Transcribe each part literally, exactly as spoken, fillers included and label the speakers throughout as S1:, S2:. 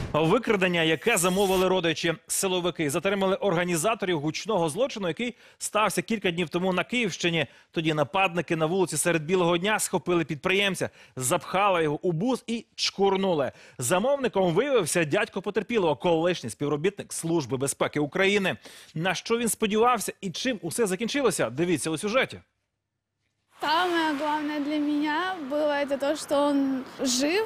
S1: Викрадення, яке замовили родичі. Силовики затримали організаторів гучного злочину, який стався кілька днів тому на Київщині. Тоді нападники на вулиці серед білого дня схопили підприємця, запхали його у бус і чкурнули. Замовником виявився дядько потерпілого, колишній співробітник Служби безпеки України. На що він сподівався і чим усе закінчилося? Дивіться у сюжеті.
S2: Самое главное для меня было это то, что он жив,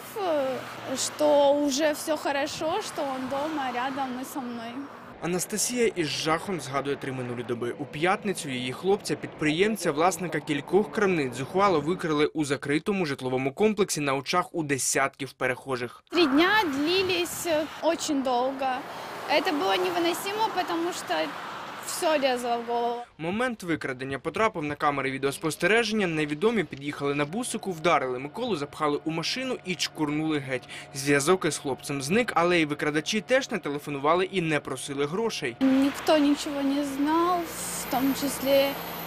S2: что уже все хорошо, что он дома, рядом и со мной.
S3: Анастасія із жахом згадує три минулі доби. У п'ятницю її хлопця, підприємця, власника кількох крамниць, зухвало викрили у закритому житловому комплексі на очах у десятків перехожих.
S2: Три дня длились очень долго. Это было невыносимо, потому что все лезло в голову.
S3: Момент викрадення потрапив на камери відеоспостереження. Невідомі під'їхали на бусику, вдарили Миколу, запхали у машину і чкурнули геть. Зв'язок із хлопцем зник, але й викрадачі теж не телефонували і не просили грошей.
S2: Ніхто нічого не знав, в тому числі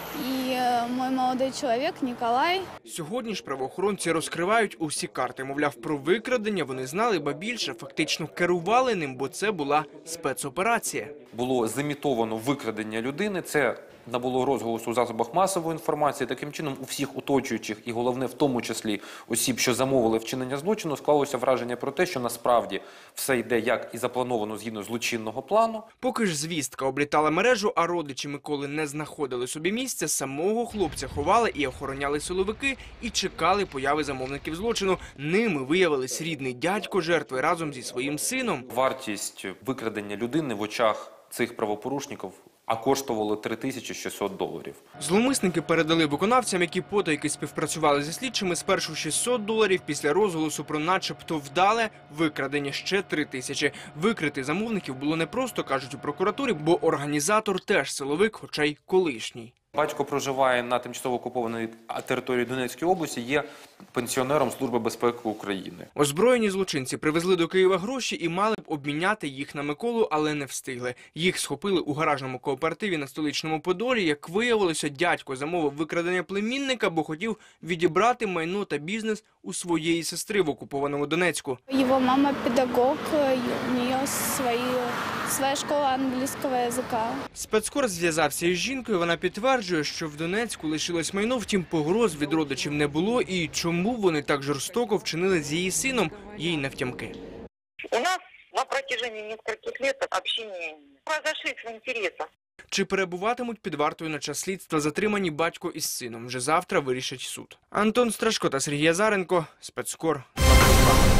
S2: і мій молодий чоловік Ніколай.
S3: Сьогодні ж правоохоронці розкривають усі карти. Мовляв, про викрадення вони знали, ба більше, фактично керували ним, бо це була спецоперація.
S4: Було зімітовано викрадення людини, це набуло розголосу у засобах масової інформації. Таким чином, у всіх оточуючих і, головне, в тому числі осіб, що замовили вчинення злочину, склалося враження про те, що насправді все йде як і заплановано згідно злочинного плану.
S3: Поки ж звістка облітала мережу, а родичі Миколи не знаходили собі місця, самого хлопця ховали і охороняли силовики і чекали появи замовників злочину. Ними виявились рідний дядько жертви разом зі своїм сином.
S4: Вартість викрадення людини в очах цих правопорушників а коштувало три тисячі шістсот доларів.
S3: Зловмисники передали виконавцям, які потайки співпрацювали зі слідчими, спершу шістсот доларів, після розголосу про начебто вдале викрадення ще три тисячі. Викрити замовників було непросто, кажуть у прокуратурі, бо організатор теж силовик, хоча й колишній.
S4: Батько проживає на тимчасово окупованій території Донецької області, є пенсіонером Служби безпеки України.
S3: Озброєні злочинці привезли до Києва гроші і мали б обміняти їх на Миколу, але не встигли. Їх схопили у гаражному кооперативі на Столичному Подолі. Як виявилося, дядько замовив викрадення племінника, бо хотів відібрати майно та бізнес у своєї сестри в окупованому Донецьку.
S2: Його мама педагог, у неї свої, своя школа англійського язика.
S3: Спецкор зв'язався із жінкою, вона підтверджує, що в Донецьку лишилось майно, втім погроз від родичів не було, і чому вони так жорстоко вчинили з її сином, їй навтямки.
S5: У нас на протяжении нескольких лет общения разошлись в интересах.
S3: Чи перебуватимуть під вартою на час слідства затримані батько із сином? Вже завтра вирішить суд. Антон Страшко та Сергій Азаренко, Спецкор.